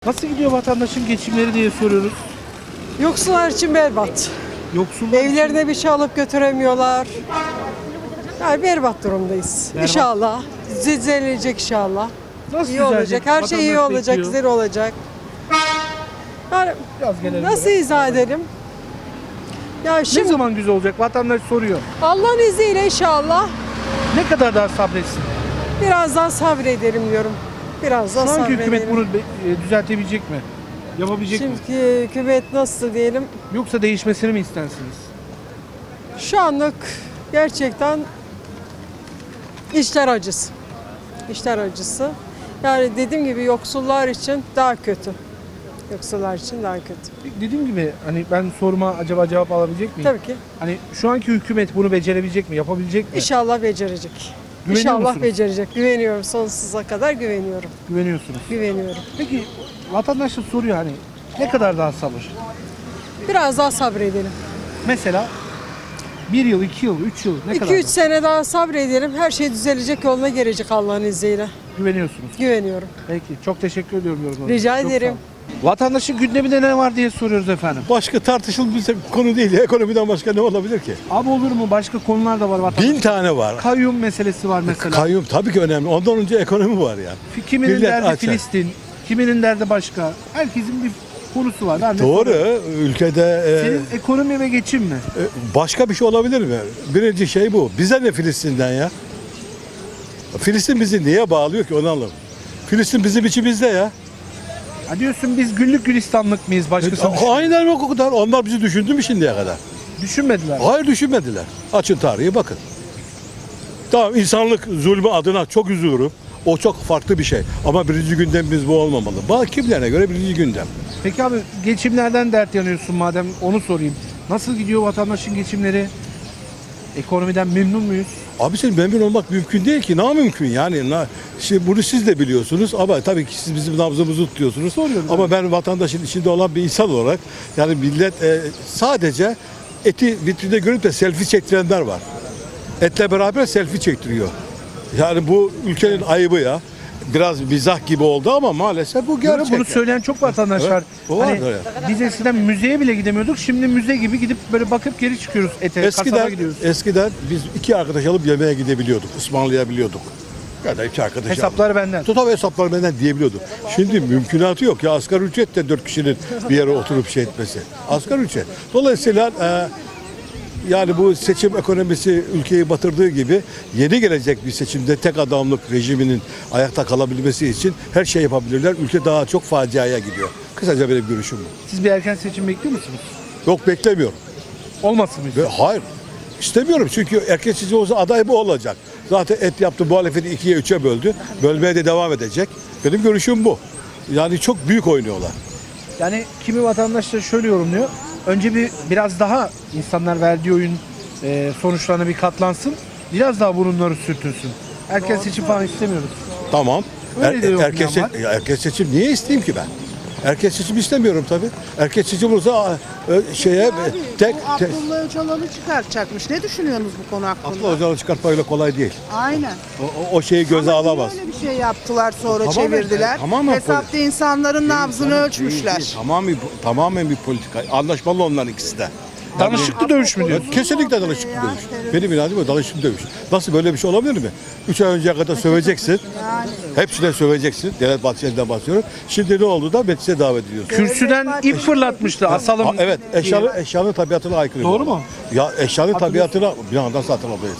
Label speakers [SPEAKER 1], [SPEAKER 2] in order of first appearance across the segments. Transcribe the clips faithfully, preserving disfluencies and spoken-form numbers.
[SPEAKER 1] Nasıl gidiyor vatandaşın geçimleri diye soruyoruz.
[SPEAKER 2] Yoksullar için berbat.
[SPEAKER 1] Yoksullar için
[SPEAKER 2] Evlerine bir şey alıp götüremiyorlar. Yani berbat durumdayız.
[SPEAKER 1] Berbat.
[SPEAKER 2] İnşallah. Düzelecek inşallah.
[SPEAKER 1] nasıl
[SPEAKER 2] İyi
[SPEAKER 1] düzelecek?
[SPEAKER 2] olacak. Her şey iyi
[SPEAKER 1] Vatandaş
[SPEAKER 2] olacak,
[SPEAKER 1] bekliyor.
[SPEAKER 2] güzel olacak. Yani
[SPEAKER 1] Biraz gelelim
[SPEAKER 2] nasıl
[SPEAKER 1] böyle.
[SPEAKER 2] izah edelim? Ya
[SPEAKER 1] Ne
[SPEAKER 2] şimdi
[SPEAKER 1] zaman güzel olacak? Vatandaş soruyor.
[SPEAKER 2] Allah'ın izniyle inşallah
[SPEAKER 1] Ne kadar daha sabretsin?
[SPEAKER 2] biraz daha sabredelim diyorum. Biraz daha
[SPEAKER 1] Şu anki
[SPEAKER 2] sabredelim.
[SPEAKER 1] hükümet bunu be- e, düzeltebilecek mi? Yapabilecek mi?
[SPEAKER 2] Şimdi hükümet nasıl diyelim?
[SPEAKER 1] Yoksa değişmesini mi istersiniz?
[SPEAKER 2] Şu anlık gerçekten işler acısı. İşler acısı. Yani dediğim gibi yoksullar için daha kötü. Yoksullar için daha kötü.
[SPEAKER 1] Dediğim gibi hani ben soruma acaba cevap alabilecek miyim?
[SPEAKER 2] Tabii ki.
[SPEAKER 1] Hani şu anki hükümet bunu becerebilecek mi? Yapabilecek mi?
[SPEAKER 2] İnşallah becerecek.
[SPEAKER 1] Güveniyor
[SPEAKER 2] İnşallah
[SPEAKER 1] musunuz?
[SPEAKER 2] becerecek. Güveniyorum. Sonsuza kadar güveniyorum.
[SPEAKER 1] Güveniyorsunuz.
[SPEAKER 2] Güveniyorum.
[SPEAKER 1] Peki vatandaş da soruyor hani ne kadar daha sabır?
[SPEAKER 2] Biraz daha sabredelim.
[SPEAKER 1] Mesela bir yıl, iki yıl, üç yıl ne kadar
[SPEAKER 2] iki üç
[SPEAKER 1] daha?
[SPEAKER 2] sene daha sabredelim. Her şey düzelecek, yoluna gelecek Allah'ın izniyle.
[SPEAKER 1] Güveniyorsunuz.
[SPEAKER 2] Güveniyorum.
[SPEAKER 1] Peki çok teşekkür ediyorum yorumlarınız.
[SPEAKER 2] Rica
[SPEAKER 1] Çok
[SPEAKER 2] ederim.
[SPEAKER 1] sağ olun. Vatandaşın gündeminde ne var diye soruyoruz efendim.
[SPEAKER 3] Başka tartışılmayacak bir konu değil. Ekonomiden başka ne olabilir ki?
[SPEAKER 1] Abi olur mu? Başka konular da var vatandaş.
[SPEAKER 3] Bin tane var.
[SPEAKER 1] Kayyum meselesi var mesela.
[SPEAKER 3] Kayyum tabii ki önemli. Ondan önce ekonomi var yani.
[SPEAKER 1] Kiminin
[SPEAKER 3] Millet
[SPEAKER 1] derdi
[SPEAKER 3] açar.
[SPEAKER 1] Filistin, kiminin derdi başka. Herkesin bir konusu var. Ben de
[SPEAKER 3] Doğru.
[SPEAKER 1] soruyorum.
[SPEAKER 3] Ülkede e,
[SPEAKER 1] Senin ekonomi ve geçim mi?
[SPEAKER 3] e, başka bir şey olabilir mi? Birinci şey bu. Bize ne Filistin'den ya? Filistin bizi niye bağlıyor ki onu anlamadım. Filistin bizim içimizde ya.
[SPEAKER 1] Ha diyorsun biz güllük gülistanlık mıyız? Başkası
[SPEAKER 3] E, Aynen o kadar. Onlar bizi düşündü mü şimdiye kadar?
[SPEAKER 1] düşünmediler.
[SPEAKER 3] Hayır düşünmediler. Açın tarihi bakın. Tamam insanlık zulmü adına çok üzülürüm. O çok farklı bir şey. Ama birinci gündemimiz bu olmamalı. Bak kimlerine göre birinci gündem.
[SPEAKER 1] Peki abi geçimlerden dert yanıyorsun madem onu sorayım. Nasıl gidiyor vatandaşın geçimleri? Ekonomiden memnun muyuz?
[SPEAKER 3] Abi senin memnun olmak mümkün değil ki. Ne mümkün yani? Na, şimdi bunu siz de biliyorsunuz ama tabii ki siz bizim nabzımızı tutuyorsunuz.
[SPEAKER 1] Soruyorum
[SPEAKER 3] Ama ben vatandaşın içinde olan bir insan olarak yani millet e, sadece eti vitrinde görüp de selfie çektirenler var. Etle beraber selfie çektiriyor. Yani bu ülkenin ayıbı ya. Biraz mizah gibi oldu ama maalesef bu
[SPEAKER 1] Böyle
[SPEAKER 3] gerçek.
[SPEAKER 1] bunu söyleyen çok vatandaş
[SPEAKER 3] Evet,
[SPEAKER 1] var.
[SPEAKER 3] o var
[SPEAKER 1] Hani
[SPEAKER 3] öyle.
[SPEAKER 1] biz eskiden müzeye bile gidemiyorduk. Şimdi müze gibi gidip böyle bakıp geri çıkıyoruz ete. kasaba
[SPEAKER 3] Eskiden,
[SPEAKER 1] gidiyoruz.
[SPEAKER 3] eskiden biz iki arkadaş alıp yemeğe gidebiliyorduk, ısmarlayabiliyorduk. Ya da iki arkadaş
[SPEAKER 1] Hesaplar benden.
[SPEAKER 3] Tutam hesaplar benden diyebiliyorduk. Şimdi mümkünatı yok ya asgari ücret de dört kişinin bir yere oturup şey etmesi. Asgari ücret. Dolayısıyla e, yani bu seçim ekonomisi ülkeyi batırdığı gibi yeni gelecek bir seçimde tek adamlık rejiminin ayakta kalabilmesi için her şey yapabilirler. Ülke daha çok faciaya gidiyor. Kısaca benim görüşüm bu.
[SPEAKER 1] Siz bir erken seçim bekliyor musunuz?
[SPEAKER 3] Yok beklemiyorum.
[SPEAKER 1] Olmasın mı?
[SPEAKER 3] Ve hayır. İstemiyorum çünkü erkek seçim olsa aday bu olacak. Zaten et yaptı muhalefeti ikiye üçe böldü. Bölmeye de devam edecek. Benim görüşüm bu. Yani çok büyük oynuyorlar.
[SPEAKER 1] Yani kimi vatandaş da şöyle yorumluyor. Önce bir biraz daha insanlar verdiği oyun e, sonuçlarına bir katlansın. Biraz daha burunları sürtünsün. Erken seçim falan istemiyoruz.
[SPEAKER 3] Tamam.
[SPEAKER 1] Öyle de yok
[SPEAKER 3] erkek,
[SPEAKER 1] yani
[SPEAKER 3] se- ya erkek seçim niye isteyeyim ki ben? Erkek seçim istemiyorum tabii. Erkek seçim olursa e, şeye
[SPEAKER 4] Abi,
[SPEAKER 3] tek
[SPEAKER 4] bu
[SPEAKER 3] tek
[SPEAKER 4] Abdullah Öcalan'ı çıkartacakmış. Ne düşünüyorsunuz bu konu hakkında?
[SPEAKER 3] Abdullah Öcalan'ı çıkartmak öyle kolay değil.
[SPEAKER 4] Aynen.
[SPEAKER 3] O, o, o şeyi göze
[SPEAKER 4] Ama niye
[SPEAKER 3] alamaz.
[SPEAKER 4] öyle bir şey yaptılar sonra
[SPEAKER 3] Tamamen-
[SPEAKER 4] çevirdiler.
[SPEAKER 3] tamamen
[SPEAKER 4] Hesapta insanların nabzını
[SPEAKER 3] Değil,
[SPEAKER 4] ölçmüşler.
[SPEAKER 3] değil. Tamamen, tamamen bir politika. Anlaşmalı onların ikisi de.
[SPEAKER 1] Danışıklı dövüş mü
[SPEAKER 3] Ya
[SPEAKER 1] diyorsun?
[SPEAKER 3] kesinlikle danışıklı dövüş. Benim inancım o danışıklı dövüş. Nasıl böyle bir şey olabilir mi? Üç ay önceye kadar söveceksin. Hepsine söveceksin. Devlet Bahçeli'den bahsediyorum. Şimdi ne oldu da meclise davet ediyorsun.
[SPEAKER 1] Kürsüden ip fırlatmıştı. Asalım.
[SPEAKER 3] Ha, evet, eşyanın, eşyanın tabiatına aykırı.
[SPEAKER 1] Doğru
[SPEAKER 3] bu.
[SPEAKER 1] mu?
[SPEAKER 3] Ya eşyanın tabiatına bir anda satın alıyoruz.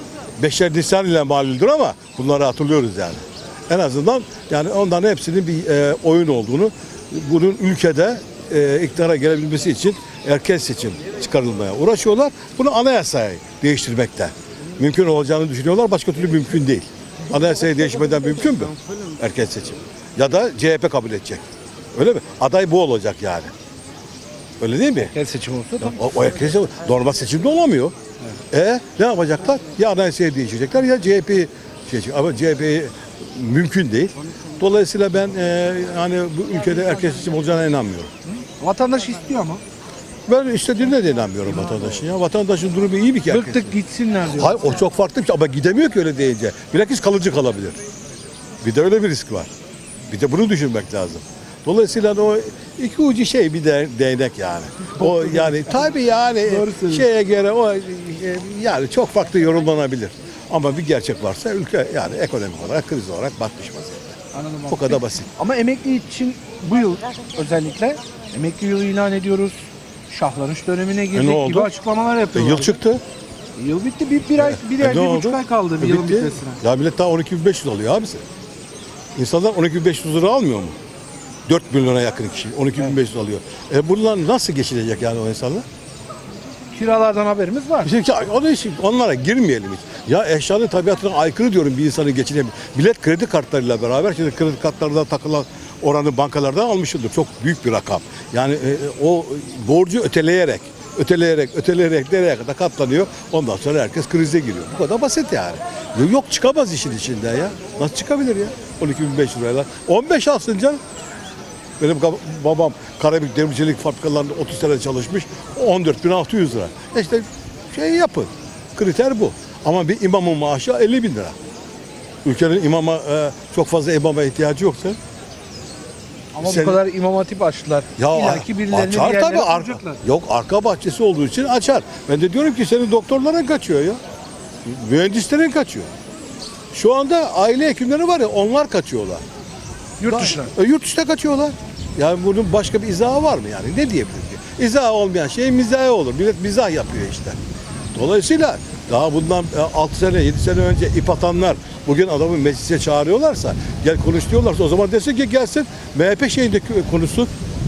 [SPEAKER 3] Beşer Nisan ile malildir ama bunları hatırlıyoruz yani. En azından yani onların hepsinin bir e, oyun olduğunu, bunun ülkede e, iktidara gelebilmesi için erken seçim çıkarılmaya uğraşıyorlar. Bunu anayasayı değiştirmekte mümkün olacağını düşünüyorlar. Başka türlü mümkün değil. Anayasayı değişmeden mümkün mü? Erken seçim. Ya da C H P kabul edecek. Öyle mi? Aday bu olacak yani. Öyle değil mi?
[SPEAKER 1] Erken seçim olsa da.
[SPEAKER 3] O, o erken seçim normal seçimde olamıyor. E ne yapacaklar? Ya anayasayı değiştirecekler ya C H P'yi şey, ama C H P'yi mümkün değil. Dolayısıyla ben e, hani bu ülkede erken seçim olacağına inanmıyorum.
[SPEAKER 1] Vatandaş istiyor ama.
[SPEAKER 3] Ben istediğine de inanmıyorum vatandaşın ya. Vatandaşın durumu iyi bir kere.
[SPEAKER 1] Bıktık gitsinler diyor.
[SPEAKER 3] Hayır o çok farklı bir şey ama gidemiyor ki öyle deyince. Bilakis kalıcı kalabilir. Bir de öyle bir risk var. Bir de bunu düşünmek lazım. Dolayısıyla o iki ucu şey bir de, değnek yani. O yani tabii yani
[SPEAKER 1] Doğru söylüyorsun.
[SPEAKER 3] şeye göre o e, yani çok farklı yorumlanabilir. Ama bir gerçek varsa ülke yani ekonomik olarak kriz olarak batmış vaziyette.
[SPEAKER 1] Anladım abi.
[SPEAKER 3] O kadar basit.
[SPEAKER 1] Ama emekli için bu yıl özellikle emekli yılı ilan ediyoruz. Şahlanış dönemine girdik
[SPEAKER 3] E ne oldu?
[SPEAKER 1] gibi açıklamalar
[SPEAKER 3] E,
[SPEAKER 1] yapıyorlar.
[SPEAKER 3] yıl çıktı.
[SPEAKER 1] Yıl bitti. Bir, bir ay, bir,
[SPEAKER 3] E,
[SPEAKER 1] ay,
[SPEAKER 3] ne
[SPEAKER 1] bir
[SPEAKER 3] oldu?
[SPEAKER 1] buçuk ay kaldı bir
[SPEAKER 3] E,
[SPEAKER 1] yılın
[SPEAKER 3] bitti.
[SPEAKER 1] bitmesine.
[SPEAKER 3] Ya millet daha on iki bin beş yüz alıyor abisi. İnsanlar on iki bin beş yüz lira almıyor mu? dört milyona yakın kişi on iki bin beş yüz alıyor. E bunlar nasıl geçilecek yani o insanlar?
[SPEAKER 1] Kiralardan haberimiz var.
[SPEAKER 3] Şimdi o da işi- onlara girmeyelim hiç. Ya eşyanın tabiatına aykırı diyorum bir insanın geçinebilir. Millet kredi kartlarıyla beraber şimdi kredi kartlarında takılan oranı bankalardan almışındır. Çok büyük bir rakam. Yani e, o borcu öteleyerek, öteleyerek, öteleyerek nereye kadar katlanıyor. Ondan sonra herkes krize giriyor. Bu kadar basit yani. Yok çıkamaz işin içinden ya. Nasıl çıkabilir ya? on iki bin beş yüz lirayla. on beş alsın canım. Benim kab- babam Karabük Demircilik fabrikalarında otuz sene çalışmış. on dört bin altı yüz lira. İşte şey yapın. Kriter bu. Ama bir imamın maaşı elli bin lira. Ülkenin imama e, çok fazla imama ihtiyacı yoksa.
[SPEAKER 1] Ama
[SPEAKER 3] Sen-
[SPEAKER 1] bu kadar imam hatip açtılar.
[SPEAKER 3] Ya
[SPEAKER 1] İlla ki birilerini bir
[SPEAKER 3] açar
[SPEAKER 1] yerlere
[SPEAKER 3] tabii. Arka,
[SPEAKER 1] koyacaklar.
[SPEAKER 3] yok arka bahçesi olduğu için açar. Ben de diyorum ki senin doktorların kaçıyor ya. Mühendislerin kaçıyor. Şu anda aile hekimleri var ya onlar kaçıyorlar.
[SPEAKER 1] Yurt dışına.
[SPEAKER 3] E, yurt dışına kaçıyorlar. Yani bunun başka bir izahı var mı yani? Ne diyebilir ki? İzahı olmayan şey mizahı olur. Millet mizah yapıyor işte. Dolayısıyla daha bundan altı sene, yedi sene önce ip atanlar bugün adamı meclise çağırıyorlarsa, gel konuş diyorlarsa o zaman desin ki gelsin M H P şeyinde konuşsun.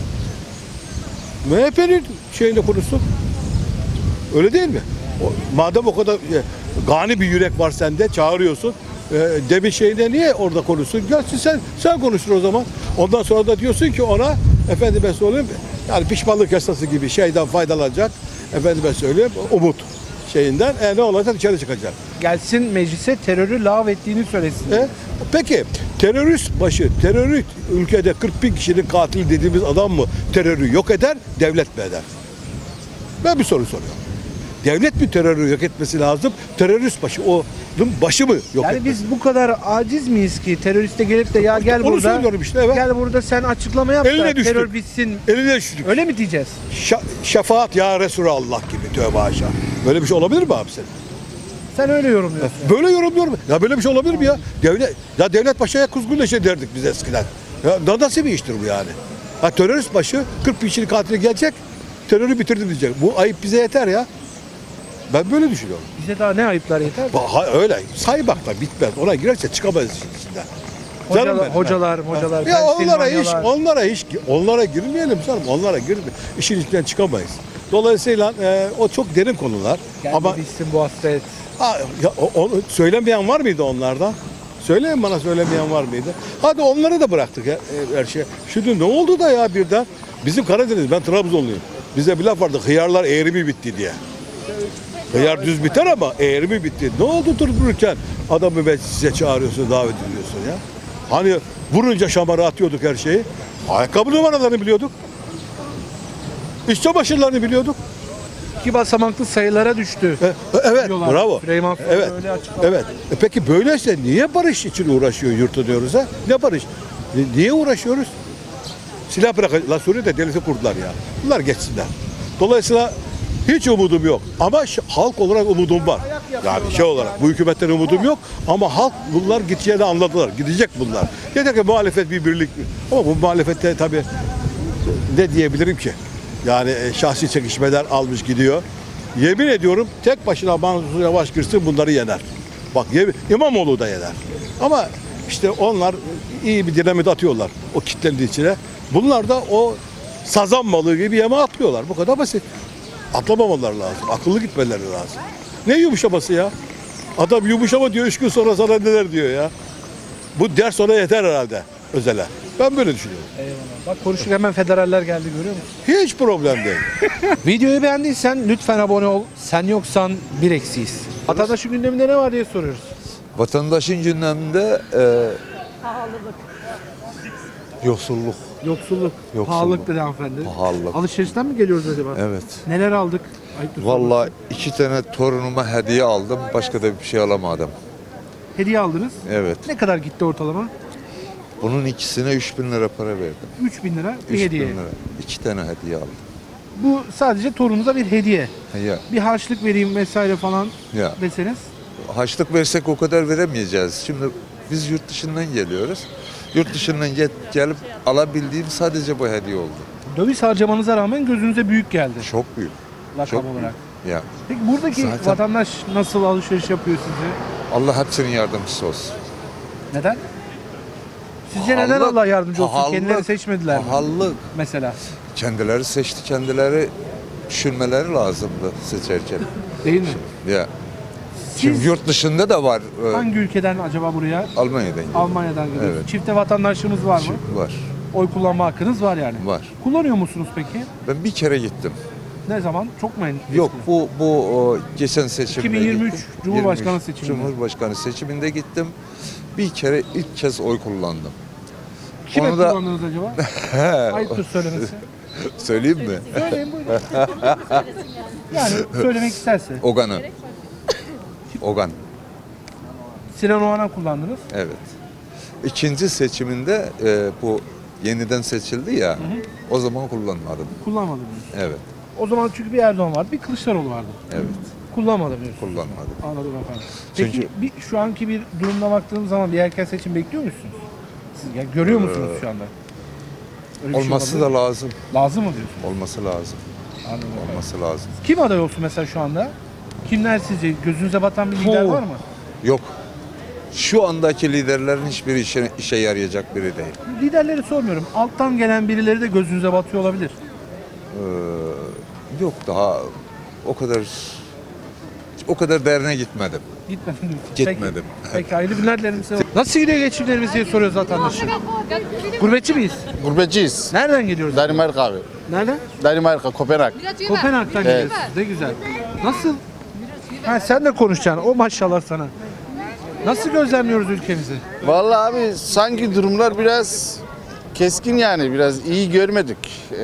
[SPEAKER 3] M H P'nin şeyinde konuşsun. Öyle değil mi? O, madem o kadar e, gani bir yürek var sende çağırıyorsun. E, demin şeyinde niye orada konuşsun? Gelsin sen sen konuşur o zaman. Ondan sonra da diyorsun ki ona efendime söyleyeyim yani pişmanlık yasası gibi şeyden faydalanacak. Efendime söyleyeyim umut şeyinden e, ne olacak dışarı çıkacak.
[SPEAKER 1] Gelsin meclise terörü lağv ettiğini söylesin.
[SPEAKER 3] E, peki terörist başı, terörist ülkede kırk bin kişinin katili dediğimiz adam mı terörü yok eder, devlet mi eder? Ben bir soru soruyorum. Devlet mi terörü yok etmesi lazım, terörist başı, onun başı mı yok
[SPEAKER 1] Yani
[SPEAKER 3] etmesi?
[SPEAKER 1] biz bu kadar aciz miyiz ki teröriste gelip de ya gel
[SPEAKER 3] Onu
[SPEAKER 1] burada
[SPEAKER 3] söylüyorum işte, evet.
[SPEAKER 1] gel burada sen açıklama yap
[SPEAKER 3] Eline
[SPEAKER 1] da
[SPEAKER 3] düştük.
[SPEAKER 1] terör bitsin.
[SPEAKER 3] Eline düştük.
[SPEAKER 1] Öyle mi diyeceğiz?
[SPEAKER 3] Şa- şefaat ya Resulallah gibi tövbe haşa. Böyle bir şey olabilir mi abi senin?
[SPEAKER 1] Sen öyle yorumluyorsun.
[SPEAKER 3] Böyle yorumluyorum. Ya böyle bir şey olabilir mi ya? Devlet, ya devlet başaya kuzgun leşe derdik biz eskiden. Ya na- nasıl bir iştir bu yani? Ha terörist başı kırk bin kişinin katili gelecek, terörü bitirdim diyecek. Bu ayıp bize yeter ya. Ben böyle düşünüyorum.
[SPEAKER 1] Bize daha ne ayıplar yeter.
[SPEAKER 3] Ba- Ha, öyle saymak da bitmez. Ona girerse çıkamayız işin içinden. Canım
[SPEAKER 1] Hocalar,
[SPEAKER 3] benim.
[SPEAKER 1] hocalar, hocalar,
[SPEAKER 3] Ya onlara hiç,
[SPEAKER 1] Pensilvanyalar.
[SPEAKER 3] onlara hiç, onlara girmeyelim canım. Onlara girme. İşin içinden çıkamayız. Dolayısıyla e, o çok derin konular.
[SPEAKER 1] Geldi
[SPEAKER 3] Ama
[SPEAKER 1] bitsin bu hasret.
[SPEAKER 3] ha, ya, o- onu söylemeyen var mıydı onlardan? Söyleyin bana söylemeyen var mıydı? Hadi onları da bıraktık ya, e, her şey. Şimdi ne oldu da ya birden? Bizim Karadeniz, ben Trabzonluyum. Bize bir laf vardı, hıyarlar eğri mi bitti diye. Hıyar düz biter ama eğri mi bitti? Ne oldu durup dururken adamı meclise çağırıyorsun, davet ediyorsun ya? Hani vurunca şamara atıyorduk her şeyi. Ayakkabı numaralarını biliyorduk. İç çamaşırlarını biliyorduk.
[SPEAKER 1] İki basamaklı sayılara düştü.
[SPEAKER 3] E, evet,
[SPEAKER 1] Diyorlar.
[SPEAKER 3] bravo.
[SPEAKER 1] Süleyman Soylu
[SPEAKER 3] Evet,
[SPEAKER 1] öyle açıklama.
[SPEAKER 3] evet. E peki böyleyse niye barış için uğraşıyor yurtta diyoruz ha? Ne barış? Ni- Niye uğraşıyoruz? Silah bırak. La Suriye'de devleti kurdular ya. Bunlar geçsinler. Dolayısıyla hiç umudum yok. Ama ş- halk olarak umudum var. Yani şey olarak bu hükümetten umudum yok. Ama halk bunlar gideceğini anladılar. Gidecek bunlar. Yeter ki muhalefet bir birlik. Ama bu muhalefette tabii ne diyebilirim ki? Yani e, şahsi çekişmeler almış gidiyor. Yemin ediyorum tek başına Mansur Yavaş girsin bunları yener. Bak yemin, İmamoğlu da yener. Ama işte onlar iyi bir dinamit atıyorlar o kitlenin içine. Bunlar da o sazan balığı gibi yeme atlıyorlar. Bu kadar basit. Atlamamaları lazım. Akıllı gitmeleri lazım. Ne yumuşaması ya? Adam yumuşama diyor, üç gün sonra sana neler diyor ya. Bu ders ona yeter herhalde Özel'e. Ben böyle düşünüyorum.
[SPEAKER 1] Eyvallah. Bak konuştuk hemen federaller geldi görüyor musun?
[SPEAKER 3] Hiç problem değil.
[SPEAKER 1] Videoyu beğendiysen lütfen abone ol. Sen yoksan bir eksiyiz. Vatandaşın gündeminde ne var diye soruyoruz.
[SPEAKER 5] Vatandaşın gündeminde e, yoksulluk,
[SPEAKER 1] Yoksulluk,
[SPEAKER 5] Yoksulluk.
[SPEAKER 1] pahalılık dedi hanımefendi.
[SPEAKER 5] Pahalılık.
[SPEAKER 1] Alışverişten mi geliyoruz acaba?
[SPEAKER 5] evet.
[SPEAKER 1] Neler aldık? Ayıptır
[SPEAKER 5] Vallahi
[SPEAKER 1] sorması.
[SPEAKER 5] iki tane torunuma hediye aldım, başka da bir şey alamadım.
[SPEAKER 1] Hediye aldınız.
[SPEAKER 5] Evet.
[SPEAKER 1] Ne kadar gitti ortalama?
[SPEAKER 5] Bunun ikisine üç bin lira para verdim.
[SPEAKER 1] üç bin lira bir
[SPEAKER 5] üç bin
[SPEAKER 1] hediye.
[SPEAKER 5] lira. İki tane hediye aldım.
[SPEAKER 1] Bu sadece torununuza bir hediye.
[SPEAKER 5] Ya,
[SPEAKER 1] Bir harçlık vereyim vesaire falan
[SPEAKER 5] ya.
[SPEAKER 1] deseniz.
[SPEAKER 5] Harçlık versek o kadar veremeyeceğiz. Şimdi biz yurt dışından geliyoruz. Yurt dışından gel- gelip alabildiğim sadece bu hediye oldu.
[SPEAKER 1] Döviz harcamanıza rağmen gözünüze büyük geldi
[SPEAKER 5] Çok büyük.
[SPEAKER 1] rakam
[SPEAKER 5] Çok büyük.
[SPEAKER 1] olarak.
[SPEAKER 5] Ya.
[SPEAKER 1] Peki buradaki
[SPEAKER 5] Zaten-
[SPEAKER 1] vatandaş nasıl alışveriş yapıyor sizi?
[SPEAKER 5] Allah hepsinin yardımcısı olsun.
[SPEAKER 1] Neden? Sizce neden
[SPEAKER 5] Pahalılık,
[SPEAKER 1] Allah yardımcı olsun?
[SPEAKER 5] pahalılık,
[SPEAKER 1] Kendileri seçmediler mi?
[SPEAKER 5] Pahalılık.
[SPEAKER 1] Mesela.
[SPEAKER 5] Kendileri seçti, kendileri düşünmeleri lazımdı seçerken.
[SPEAKER 1] Değil mi?
[SPEAKER 5] Ya. Şimdi
[SPEAKER 1] Siz
[SPEAKER 5] yurt dışında da var. e,
[SPEAKER 1] hangi ülkeden acaba buraya?
[SPEAKER 5] Almanya'dan geliyor.
[SPEAKER 1] Almanya'dan geliyorsunuz.
[SPEAKER 5] Evet.
[SPEAKER 1] Çifte vatandaşlığınız var mı?
[SPEAKER 5] Şimdi var.
[SPEAKER 1] Oy kullanma hakkınız var yani.
[SPEAKER 5] Var.
[SPEAKER 1] Kullanıyor musunuz peki?
[SPEAKER 5] Ben bir kere gittim.
[SPEAKER 1] Ne zaman? Çok mu en-
[SPEAKER 5] Yok
[SPEAKER 1] eski?
[SPEAKER 5] bu bu o, geçen seçimde
[SPEAKER 1] iki bin yirmi üç
[SPEAKER 5] gittim.
[SPEAKER 1] Cumhurbaşkanı
[SPEAKER 5] yirmi üç
[SPEAKER 1] seçiminde.
[SPEAKER 5] Cumhurbaşkanı seçiminde gittim. Bir kere ilk kez oy kullandım.
[SPEAKER 1] Kime
[SPEAKER 5] Onu da-
[SPEAKER 1] kullandınız acaba? Ayıptır söylemesi.
[SPEAKER 5] Söyleyeyim mi?
[SPEAKER 1] Söyleyin buyurun. Yani söylemek isterse.
[SPEAKER 5] Ogan'ı. Ogan.
[SPEAKER 1] Sinan Oğan'a kullandınız.
[SPEAKER 5] Evet. İkinci seçiminde e, bu yeniden seçildi ya. O zaman kullanmadım.
[SPEAKER 1] Kullanmadınız.
[SPEAKER 5] Evet.
[SPEAKER 1] O zaman çünkü bir Erdoğan vardı, bir Kılıçdaroğlu vardı.
[SPEAKER 5] Evet.
[SPEAKER 1] Kullanmadım diyorsun.
[SPEAKER 5] Kullanmadım.
[SPEAKER 1] Anladım efendim. Peki
[SPEAKER 5] Çünkü-
[SPEAKER 1] bir, şu anki bir durumda baktığınız zaman bir erken seçim bekliyor musunuz? Siz ya görüyor musunuz şu anda? Öyle bir şey
[SPEAKER 5] Olması
[SPEAKER 1] olabilir
[SPEAKER 5] da
[SPEAKER 1] mi?
[SPEAKER 5] lazım.
[SPEAKER 1] lazım mı diyorsun?
[SPEAKER 5] Olması lazım.
[SPEAKER 1] Anladım efendim.
[SPEAKER 5] Olması lazım.
[SPEAKER 1] Kim aday olsun mesela şu anda? Kimler sizce? Gözünüze batan bir lider
[SPEAKER 5] Oo.
[SPEAKER 1] var mı?
[SPEAKER 5] Yok. Şu andaki liderlerin hiçbir işe, işe yarayacak biri değil.
[SPEAKER 1] Liderleri sormuyorum. Alttan gelen birileri de gözünüze batıyor olabilir.
[SPEAKER 5] Ee, yok daha o kadar o kadar derine gitmedim.
[SPEAKER 1] Gitmedim.
[SPEAKER 5] Gitmedim.
[SPEAKER 1] Peki, Peki hayırlı günler dilerim size. Nasıl gidiyor geçimlerimiz diye soruyoruz vatandaşa. Gurbetçi miyiz?
[SPEAKER 6] Gurbetçiyiz.
[SPEAKER 1] Nereden geliyoruz?
[SPEAKER 6] Danimarka abi.
[SPEAKER 1] Nereden?
[SPEAKER 6] Danimarka, Kopenhag.
[SPEAKER 1] Kopenhag'dan
[SPEAKER 6] Evet.
[SPEAKER 1] geliyorsunuz. Ne güzel. Nasıl? Ha, sen de konuşacaksın. O maşallah sana. Nasıl gözlemliyoruz ülkemizi?
[SPEAKER 6] Vallahi abi sanki durumlar biraz keskin yani. Biraz iyi görmedik.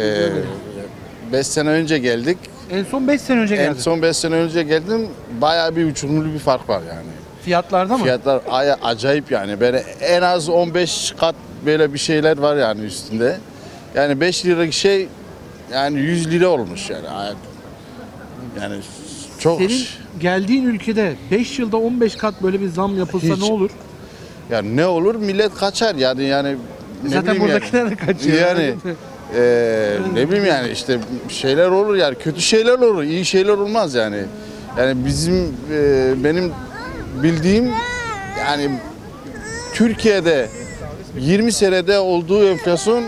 [SPEAKER 6] Beş sene önce geldik.
[SPEAKER 1] En son beş sene önce
[SPEAKER 6] En
[SPEAKER 1] geldi.
[SPEAKER 6] son beş sene önce geldim. Bayağı bir uçurumlu bir fark var yani.
[SPEAKER 1] Fiyatlarda mı?
[SPEAKER 6] Fiyatlar aya- acayip yani. Böyle en az on beş kat böyle bir şeyler var yani üstünde. Yani beş liralık şey yani yüz lira olmuş yani. Yani çok
[SPEAKER 1] Senin geldiğin ülkede beş yılda on beş kat böyle bir zam yapılsa
[SPEAKER 6] Hiç.
[SPEAKER 1] ne olur?
[SPEAKER 6] yani ne olur millet kaçar yani yani ne
[SPEAKER 1] Zaten
[SPEAKER 6] bileyim
[SPEAKER 1] buradakiler
[SPEAKER 6] yani.
[SPEAKER 1] de kaçıyor.
[SPEAKER 6] Yani eee, ne bileyim yani işte şeyler olur yani kötü şeyler olur, iyi şeyler olmaz yani. Yani bizim eee, benim bildiğim yani Türkiye'de yirmi senede olduğu enflasyon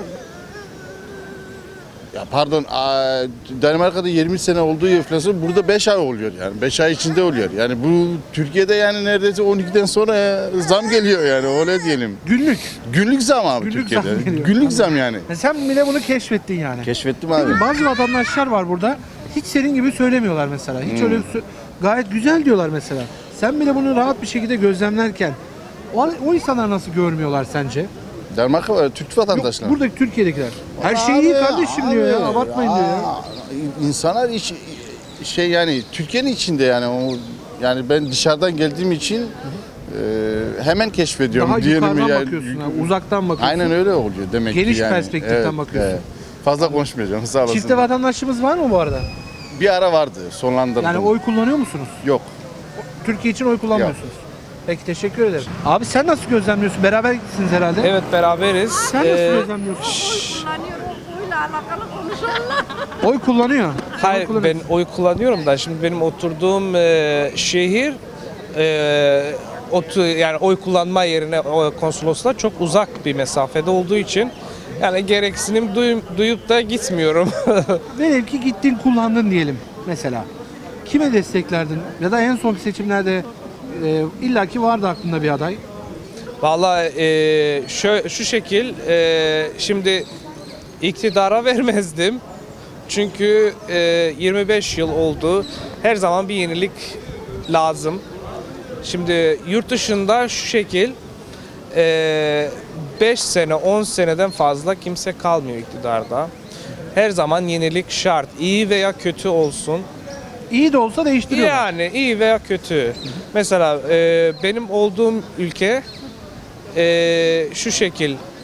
[SPEAKER 6] ya pardon aa, Danimarka'da yirmi sene olduğu enflasyon burada beş ay oluyor yani beş ay içinde oluyor. Yani bu Türkiye'de yani neredeyse on ikiden sonra e, zam geliyor yani öyle diyelim.
[SPEAKER 1] Günlük.
[SPEAKER 6] Günlük zam abi
[SPEAKER 1] Günlük
[SPEAKER 6] Türkiye'de.
[SPEAKER 1] zam geliyor.
[SPEAKER 6] Günlük zam yani.
[SPEAKER 1] E sen bile bunu keşfettin yani.
[SPEAKER 6] Keşfettim abi.
[SPEAKER 1] Peki bazı vatandaşlar var burada. Hiç senin gibi söylemiyorlar mesela. Hiç
[SPEAKER 6] Hmm.
[SPEAKER 1] öyle sö- gayet güzel diyorlar mesela. Sen bile bunu rahat bir şekilde gözlemlerken o, o insanlar nasıl görmüyorlar sence?
[SPEAKER 6] Danimarka var, Türk
[SPEAKER 1] Yok,
[SPEAKER 6] vatandaşlar.
[SPEAKER 1] buradaki Türkiye'dekiler. Her şey iyi
[SPEAKER 6] Abi,
[SPEAKER 1] kardeşim diyor ya.
[SPEAKER 6] abi,
[SPEAKER 1] Abartmayın diyor ya.
[SPEAKER 6] aa, İnsanlar iç, şey yani Türkiye'nin içinde yani o yani ben dışarıdan geldiğim için e, hemen keşfediyorum
[SPEAKER 1] Daha
[SPEAKER 6] diyelim
[SPEAKER 1] yukarıdan
[SPEAKER 6] yani.
[SPEAKER 1] bakıyorsun. ha, uzaktan bakıyorsun.
[SPEAKER 6] Aynen öyle oluyor demek
[SPEAKER 1] Geniş
[SPEAKER 6] ki yani.
[SPEAKER 1] perspektiften bakıyorsun.
[SPEAKER 6] Fazla konuşmayacağım sağ olasın.
[SPEAKER 1] Çifte vatandaşlığımız var mı bu arada?
[SPEAKER 6] Bir ara vardı sonlandırdım.
[SPEAKER 1] Yani oy kullanıyor musunuz?
[SPEAKER 6] Yok.
[SPEAKER 1] Türkiye için oy kullanmıyorsunuz. Peki teşekkür ederim. Abi sen nasıl gözlemliyorsun? Beraber gittiniz herhalde.
[SPEAKER 7] Evet beraberiz.
[SPEAKER 1] Sen nasıl
[SPEAKER 7] Ee,
[SPEAKER 1] gözlemliyorsun?
[SPEAKER 8] kullanıyor. O oyla alakalı konuşuyorlar.
[SPEAKER 1] Oy kullanıyor. Sen
[SPEAKER 7] hayır
[SPEAKER 1] oy kullanıyorsun.
[SPEAKER 7] ben oy kullanıyorum da şimdi benim oturduğum e, şehir e, otu, yani oy kullanma yerine o konsolosla çok uzak bir mesafede olduğu için yani gereksinim duyum, duyup da gitmiyorum.
[SPEAKER 1] Velev ki gittin kullandın diyelim mesela. Kime desteklerdin? Ya da en son seçimlerde e, illaki vardı aklında bir aday.
[SPEAKER 7] Vallahi e, şu, şu şekil e, şimdi iktidara vermezdim. Çünkü e, yirmi beş yıl oldu. Her zaman bir yenilik lazım. Şimdi yurt dışında şu şekil beş sene on seneden fazla kimse kalmıyor iktidarda. Her zaman yenilik şart. İyi veya kötü olsun.
[SPEAKER 1] İyi de olsa değiştiriyorlar.
[SPEAKER 7] Yani iyi veya kötü. Mesela e, benim olduğum ülke e, şu şekil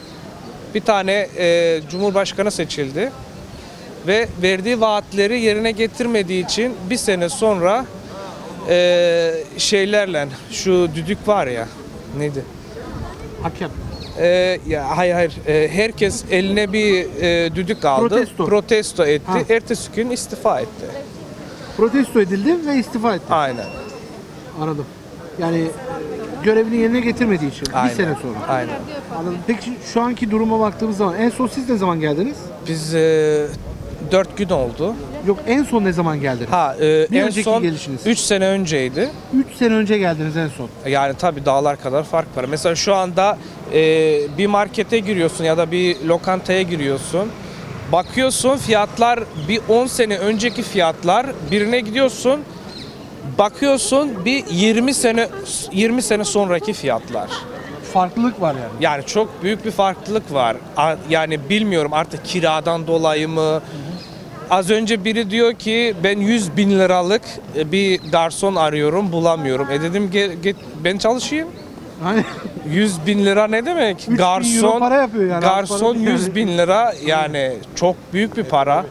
[SPEAKER 7] Bir tane e, Cumhurbaşkanı seçildi ve verdiği vaatleri yerine getirmediği için bir sene sonra e, şeylerle şu düdük var ya neydi?
[SPEAKER 1] Hakem.
[SPEAKER 7] E, ya hayır hayır E, herkes eline bir e, düdük aldı.
[SPEAKER 1] Protesto.
[SPEAKER 7] Protesto etti.
[SPEAKER 1] Ha.
[SPEAKER 7] Ertesi gün istifa etti.
[SPEAKER 1] Protesto edildi ve istifa etti.
[SPEAKER 7] Aynen.
[SPEAKER 1] Anladım. Yani e, görevini yerine getirmediği için
[SPEAKER 7] Aynen.
[SPEAKER 1] bir sene sonra.
[SPEAKER 7] Aynen.
[SPEAKER 1] Anladım. Peki şu anki duruma baktığımız zaman en son siz ne zaman geldiniz?
[SPEAKER 7] Biz e, dört gün oldu.
[SPEAKER 1] Yok, en son ne zaman geldiniz?
[SPEAKER 7] Ha e,
[SPEAKER 1] Bir
[SPEAKER 7] en
[SPEAKER 1] önceki
[SPEAKER 7] son
[SPEAKER 1] gelişiniz.
[SPEAKER 7] üç sene önceydi.
[SPEAKER 1] üç sene önce geldiniz en son.
[SPEAKER 7] Yani tabii dağlar kadar fark var. Mesela şu anda e, bir markete giriyorsun ya da bir lokantaya giriyorsun. Bakıyorsun fiyatlar bir on sene önceki fiyatlar. Birine gidiyorsun. Bakıyorsun bir yirmi sene yirmi sene sonraki fiyatlar.
[SPEAKER 1] Farklılık var yani.
[SPEAKER 7] Yani çok büyük bir farklılık var. A- Yani bilmiyorum artık kiradan dolayı mı? Az önce biri diyor ki ben yüz bin liralık bir garson arıyorum bulamıyorum. E dedim gel, git ben çalışayım.
[SPEAKER 1] Hani
[SPEAKER 7] yüz bin lira ne demek?
[SPEAKER 1] bin euro
[SPEAKER 7] Garson
[SPEAKER 1] para yapıyor yani. Az
[SPEAKER 7] garson
[SPEAKER 1] para değil yani.
[SPEAKER 7] yüz bin lira yani çok büyük bir para.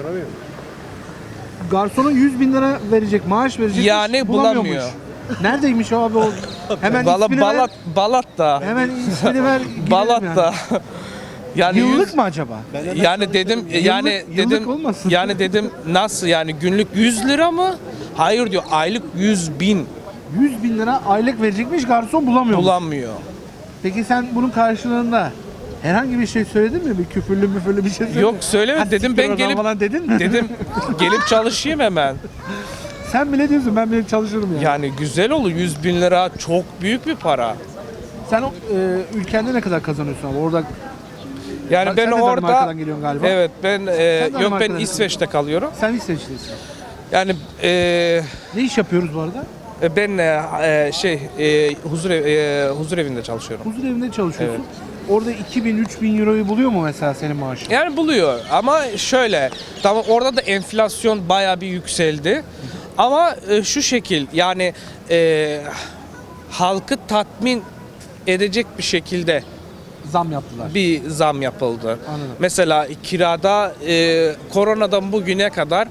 [SPEAKER 1] garsona yüz bin lira verecek, maaş verecek.
[SPEAKER 7] Yani bulamıyor.
[SPEAKER 1] Neredeymiş o abi o? Hemen
[SPEAKER 7] Valla
[SPEAKER 1] ismini
[SPEAKER 7] Balat
[SPEAKER 1] ver.
[SPEAKER 7] Balat'ta.
[SPEAKER 1] Hemen ismini ver. gidelim
[SPEAKER 7] Balat'ta.
[SPEAKER 1] Yani.
[SPEAKER 7] Yani
[SPEAKER 1] Yıllık
[SPEAKER 7] yüz-
[SPEAKER 1] mı acaba?
[SPEAKER 7] Yani dedim yani
[SPEAKER 1] Yıllık- yıllık
[SPEAKER 7] dedim
[SPEAKER 1] olmasın?
[SPEAKER 7] yani dedim nasıl yani günlük yüz lira mı? Hayır diyor aylık yüz bin
[SPEAKER 1] yüz bin lira aylık verecekmiş, garson bulamıyor.
[SPEAKER 7] bulamıyor.
[SPEAKER 1] Peki sen bunun karşılığında herhangi bir şey söyledin mi? Bir küfürlü müfürlü bir şey söyledin
[SPEAKER 7] Yok
[SPEAKER 1] mi?
[SPEAKER 7] söylemedim
[SPEAKER 1] Ha,
[SPEAKER 7] dedim
[SPEAKER 1] siktir
[SPEAKER 7] ben
[SPEAKER 1] oradan
[SPEAKER 7] gelip
[SPEAKER 1] falan dedin mi?
[SPEAKER 7] dedim gelip çalışayım hemen.
[SPEAKER 1] Sen bile diyorsun ben bile çalışırım yani.
[SPEAKER 7] Yani güzel olur yüz bin lira çok büyük bir para.
[SPEAKER 1] Sen o, e, ülkende ne kadar kazanıyorsun abi? Orada
[SPEAKER 7] Yani
[SPEAKER 1] Sen
[SPEAKER 7] ben
[SPEAKER 1] de
[SPEAKER 7] orada
[SPEAKER 1] Danimarka'dan geliyorsun galiba.
[SPEAKER 7] evet ben e,
[SPEAKER 1] Sen
[SPEAKER 7] yok ben
[SPEAKER 1] Danimarka'dan
[SPEAKER 7] İsveç'te kalıyorum.
[SPEAKER 1] sen İsveçlisin.
[SPEAKER 7] Yani e,
[SPEAKER 1] Ne iş yapıyoruz bu arada?
[SPEAKER 7] ben e, şey e, huzur ev- e, huzur evinde çalışıyorum.
[SPEAKER 1] Huzur evinde çalışıyorsun. Orada iki bin üç bin euroyu buluyor mu mesela senin maaşın?
[SPEAKER 7] Yani buluyor ama şöyle tamam orada da enflasyon bayağı bir yükseldi. Ama e, şu şekil yani e, halkı tatmin edecek bir şekilde
[SPEAKER 1] Zam yaptılar.
[SPEAKER 7] bir zam yapıldı.
[SPEAKER 1] Anladım.
[SPEAKER 7] Mesela kirada e, koronadan bugüne kadar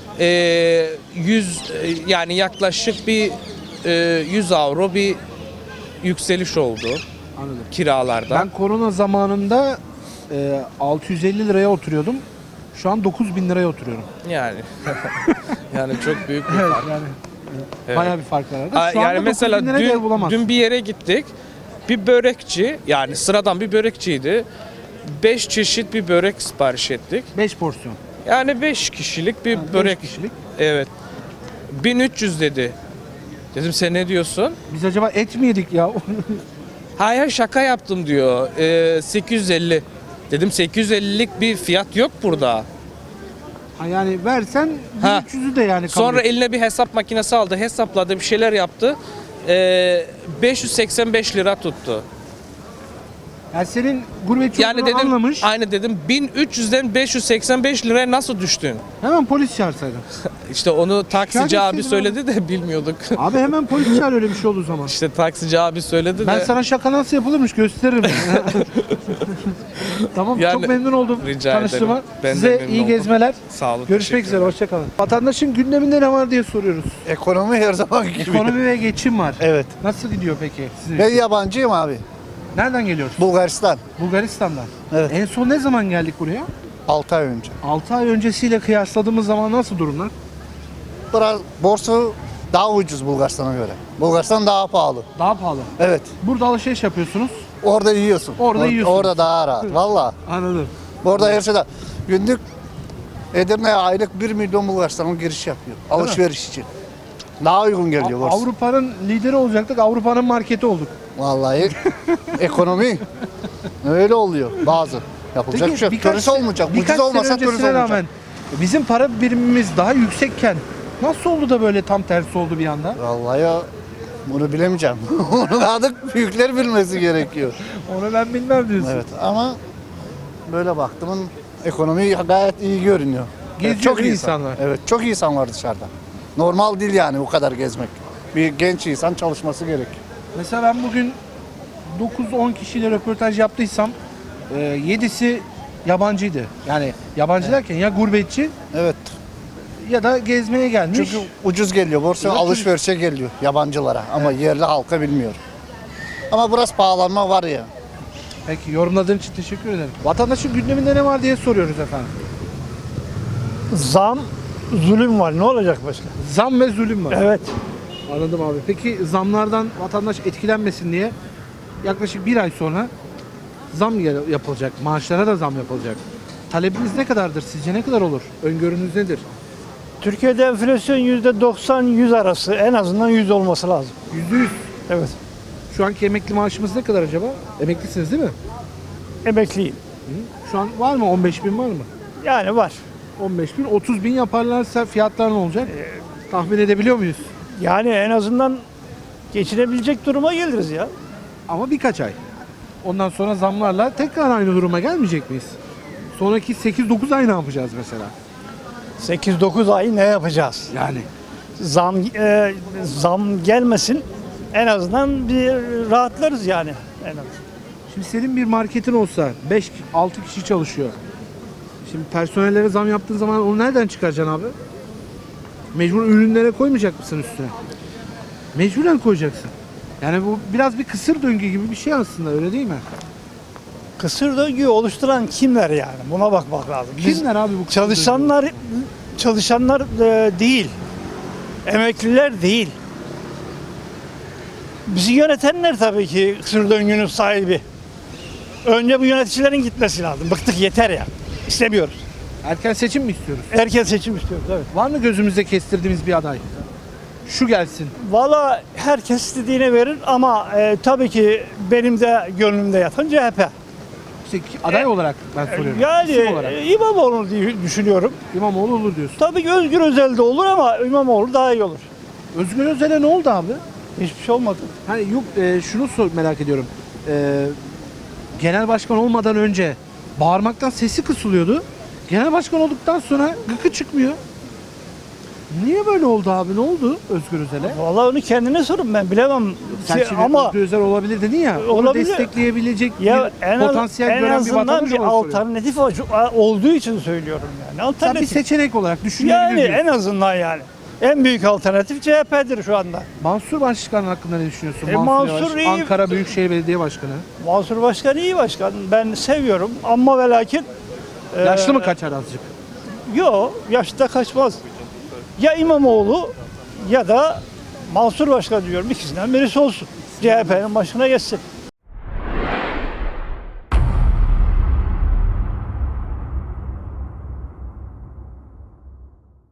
[SPEAKER 7] e, yüz e, yani yaklaşık bir e, yüz avro bir yükseliş oldu
[SPEAKER 1] Anladım.
[SPEAKER 7] kiralarda.
[SPEAKER 1] Ben korona zamanında e, altı yüz elli liraya oturuyordum. Şu an dokuz bin liraya oturuyorum.
[SPEAKER 7] Yani yani çok büyük bir
[SPEAKER 1] Evet,
[SPEAKER 7] fark.
[SPEAKER 1] yani
[SPEAKER 7] Evet.
[SPEAKER 1] bayağı bir fark var arada.
[SPEAKER 7] Aa,
[SPEAKER 1] Şu
[SPEAKER 7] yani
[SPEAKER 1] anda
[SPEAKER 7] mesela
[SPEAKER 1] dokuz bin liraya ev
[SPEAKER 7] dün,
[SPEAKER 1] bulamazsın.
[SPEAKER 7] dün bir yere gittik. Bir börekçi yani sıradan bir börekçiydi. Beş çeşit bir börek sipariş ettik.
[SPEAKER 1] beş porsiyon.
[SPEAKER 7] Yani beş kişilik bir
[SPEAKER 1] beş
[SPEAKER 7] börek.
[SPEAKER 1] kişilik.
[SPEAKER 7] Evet. bin üç yüz dedi. Dedim sen ne diyorsun?
[SPEAKER 1] Biz acaba et mi yedik ya?
[SPEAKER 7] Hayır şaka yaptım diyor. Ee, sekiz yüz elli. Dedim sekiz yüz ellilik bir fiyat yok burada.
[SPEAKER 1] Ha, yani versen
[SPEAKER 7] Ha.
[SPEAKER 1] bin üç yüzü de yani kabul
[SPEAKER 7] Sonra
[SPEAKER 1] et.
[SPEAKER 7] eline bir hesap makinesi aldı. Hesapladı bir şeyler yaptı. Ee, beş yüz seksen beş lira tuttu.
[SPEAKER 1] Yani senin gurbetçi
[SPEAKER 7] Yani
[SPEAKER 1] olduğunu
[SPEAKER 7] dedim
[SPEAKER 1] anlamış.
[SPEAKER 7] aynı dedim bin üç yüzden beş yüz seksen beş liraya nasıl düştün?
[SPEAKER 1] Hemen polis çağırsaydın.
[SPEAKER 7] İşte onu taksici
[SPEAKER 1] Şikayet
[SPEAKER 7] abi
[SPEAKER 1] etseydin
[SPEAKER 7] söyledi de bilmiyorduk.
[SPEAKER 1] Abi hemen polis çağır öyle bir şey olduğu zaman.
[SPEAKER 7] İşte taksici abi söyledi
[SPEAKER 1] Ben
[SPEAKER 7] de.
[SPEAKER 1] sana şaka nasıl yapılırmış gösteririm. Tamam,
[SPEAKER 7] Yani-
[SPEAKER 1] çok memnun oldum
[SPEAKER 7] Rica
[SPEAKER 1] tanıştığıma.
[SPEAKER 7] ederim. Ben de
[SPEAKER 1] Size
[SPEAKER 7] memnun
[SPEAKER 1] iyi
[SPEAKER 7] oldum.
[SPEAKER 1] gezmeler.
[SPEAKER 7] Sağ olun.
[SPEAKER 1] Görüşmek
[SPEAKER 7] teşekkür
[SPEAKER 1] üzere,
[SPEAKER 7] ederim.
[SPEAKER 1] hoşçakalın. Vatandaşın gündeminde ne var diye soruyoruz.
[SPEAKER 9] Ekonomi her zaman gibi.
[SPEAKER 1] Ekonomi ve geçim var.
[SPEAKER 9] Evet.
[SPEAKER 1] Nasıl gidiyor peki sizin?
[SPEAKER 9] Ben yabancıyım abi.
[SPEAKER 1] Nereden geliyorsun?
[SPEAKER 9] Bulgaristan.
[SPEAKER 1] Bulgaristan'dan.
[SPEAKER 9] Evet.
[SPEAKER 1] En son ne zaman geldik buraya?
[SPEAKER 9] altı ay önce.
[SPEAKER 1] altı ay öncesiyle kıyasladığımız zaman nasıl durumlar?
[SPEAKER 9] Biraz borsa daha ucuz Bulgaristan'a göre. Bulgaristan daha pahalı.
[SPEAKER 1] Daha pahalı.
[SPEAKER 9] Evet.
[SPEAKER 1] Burada alışveriş yapıyorsunuz.
[SPEAKER 9] Orada yiyorsun.
[SPEAKER 1] Orada
[SPEAKER 9] Or-
[SPEAKER 1] yiyorsun.
[SPEAKER 9] Orada daha rahat. Valla.
[SPEAKER 1] Anladım.
[SPEAKER 9] Orada her şeyde. Günlük Edirne'ye aylık bir milyon Bulgaristan'a giriş yapıyor. Alışveriş için. Daha uygun geliyor borsa.
[SPEAKER 1] Avrupa'nın lideri olacaktık. Avrupa'nın marketi olduk.
[SPEAKER 9] Vallahi ekonomi öyle oluyor bazı. Yapılacak bir şey yok. Turist olmayacak.
[SPEAKER 1] birkaç
[SPEAKER 9] Ucuz olmasa
[SPEAKER 1] sene
[SPEAKER 9] turist
[SPEAKER 1] öncesine
[SPEAKER 9] olmayacak.
[SPEAKER 1] rağmen bizim para birimimiz daha yüksekken nasıl oldu da böyle tam tersi oldu bir anda?
[SPEAKER 9] Vallahi ya bunu bilemeyeceğim. Onu artık büyükler bilmesi gerekiyor.
[SPEAKER 1] Onu ben bilmem diyorsun.
[SPEAKER 9] Evet ama böyle baktımın ekonomi gayet iyi görünüyor.
[SPEAKER 1] Geziyor
[SPEAKER 9] Evet, çok
[SPEAKER 1] değil
[SPEAKER 9] iyi
[SPEAKER 1] insanlar.
[SPEAKER 9] Evet çok iyi insan var dışarıda. Normal değil yani o kadar gezmek. Bir genç insan çalışması gerek.
[SPEAKER 1] Mesela ben bugün dokuz on kişiyle röportaj yaptıysam e, yedisi yabancıydı. Yani yabancı derken ya gurbetçi
[SPEAKER 9] Evet.
[SPEAKER 1] ya da gezmeye gelmiş.
[SPEAKER 9] Çünkü ucuz geliyor. Borsa
[SPEAKER 1] Ya da
[SPEAKER 9] alışverişe geliyor yabancılara ama yerli halka bilmiyor. Ama biraz pahalanma var ya.
[SPEAKER 1] Peki yorumladığın için teşekkür ederim. Vatandaşın gündeminde ne var diye soruyoruz efendim.
[SPEAKER 10] Zam, zulüm var. Ne olacak başka?
[SPEAKER 1] Zam ve zulüm var.
[SPEAKER 10] Evet.
[SPEAKER 1] Anladım abi. Peki zamlardan vatandaş etkilenmesin diye yaklaşık bir ay sonra zam gel- yapılacak. Maaşlara da zam yapılacak. Talebiniz ne kadardır? Sizce ne kadar olur? Öngörünüz nedir?
[SPEAKER 10] Türkiye'de enflasyon yüzde doksan yüz arası. En azından yüz olması lazım.
[SPEAKER 1] yüzde yüz.
[SPEAKER 10] Evet.
[SPEAKER 1] Şu anki emekli maaşımız ne kadar acaba? Emeklisiniz değil mi?
[SPEAKER 10] Emekliyim.
[SPEAKER 1] Şu an var mı? on beş bin var mı?
[SPEAKER 10] Yani var.
[SPEAKER 1] on beş bin. otuz bin yaparlarsa fiyatlar ne olacak? Tahmin edebiliyor muyuz?
[SPEAKER 10] Yani en azından geçinebilecek duruma geliriz ya.
[SPEAKER 1] Ama birkaç ay. Ondan sonra zamlarla tekrar aynı duruma gelmeyecek miyiz? Sonraki sekiz dokuz ay ne yapacağız mesela?
[SPEAKER 10] sekiz dokuz ay ne yapacağız?
[SPEAKER 1] Yani
[SPEAKER 10] Zam e, zam gelmesin. En azından bir rahatlarız yani. En azından.
[SPEAKER 1] şimdi senin bir marketin olsa beş altı kişi çalışıyor. Şimdi personellere zam yaptığın zaman onu nereden çıkaracaksın abi? Mecbur ürünlere koymayacak mısın üstüne? Mecburen koyacaksın. Yani bu biraz bir kısır döngü gibi bir şey aslında, öyle değil mi?
[SPEAKER 10] Kısır döngüyü oluşturan kimler yani? Buna bakmak lazım. Biz
[SPEAKER 1] Kimler abi bu kısır
[SPEAKER 10] çalışanlar çalışanlar e, değil. Emekliler değil. Bizi yönetenler tabii ki kısır döngünün sahibi. Önce bu yöneticilerin gitmesi lazım. Bıktık, yeter ya. İstemiyoruz.
[SPEAKER 1] döngü? Erken seçim mi istiyoruz?
[SPEAKER 10] Erken seçim istiyoruz, evet.
[SPEAKER 1] Var mı gözümüzde kestirdiğimiz bir aday? Şu gelsin.
[SPEAKER 10] Valla herkes istediğini verir ama e, tabii ki benim de gönlümde yatan C H P.
[SPEAKER 1] İşte aday olarak ben soruyorum.
[SPEAKER 10] Yani
[SPEAKER 1] İsim olarak.
[SPEAKER 10] e, İmamoğlu diye düşünüyorum.
[SPEAKER 1] İmamoğlu olur diyorsun.
[SPEAKER 10] Tabii ki Özgür Özel de olur ama İmamoğlu daha iyi olur.
[SPEAKER 1] Özgür Özel'e ne oldu abi?
[SPEAKER 10] Hiçbir şey olmadı.
[SPEAKER 1] Hani yok e, şunu sor, merak ediyorum. E, genel başkan olmadan önce bağırmaktan sesi kısılıyordu. Genel başkan olduktan sonra gıkı çıkmıyor. Niye böyle oldu abi? Ne oldu Özgür Özel'e?
[SPEAKER 10] Vallahi onu kendine sorun, ben bilemem.
[SPEAKER 1] Sen
[SPEAKER 10] Ki-
[SPEAKER 1] şimdi
[SPEAKER 10] ama
[SPEAKER 1] Özgür Özel olabilir dedin ya. Onu
[SPEAKER 10] Olabilir.
[SPEAKER 1] destekleyebilecek
[SPEAKER 10] ya
[SPEAKER 1] bir
[SPEAKER 10] en, az,
[SPEAKER 1] potansiyel
[SPEAKER 10] en
[SPEAKER 1] gören bir
[SPEAKER 10] azından
[SPEAKER 1] vatandaş
[SPEAKER 10] bir
[SPEAKER 1] olarak soruyorum.
[SPEAKER 10] alternatif olduğu için söylüyorum yani.
[SPEAKER 1] Sen bir
[SPEAKER 10] Alternatif.
[SPEAKER 1] seçenek olarak düşünebilir
[SPEAKER 10] Yani
[SPEAKER 1] diyorsun.
[SPEAKER 10] en azından yani. En büyük alternatif C H P'dir şu anda.
[SPEAKER 1] Mansur Başkan hakkında ne düşünüyorsun?
[SPEAKER 10] E,
[SPEAKER 1] Mansur,
[SPEAKER 10] Mansur
[SPEAKER 1] Yavaş,
[SPEAKER 10] iyi.
[SPEAKER 1] Ankara Büyükşehir Belediye Başkanı.
[SPEAKER 10] Mansur Başkan iyi başkan. Ben seviyorum ama ve lakin e,
[SPEAKER 1] Yaşlı mı kaçar azıcık?
[SPEAKER 10] Yok, yaşta kaçmaz. Ya İmamoğlu ya da Mansur Başkan diyorum. İkisinden birisi olsun. C H P'nin başına geçsin.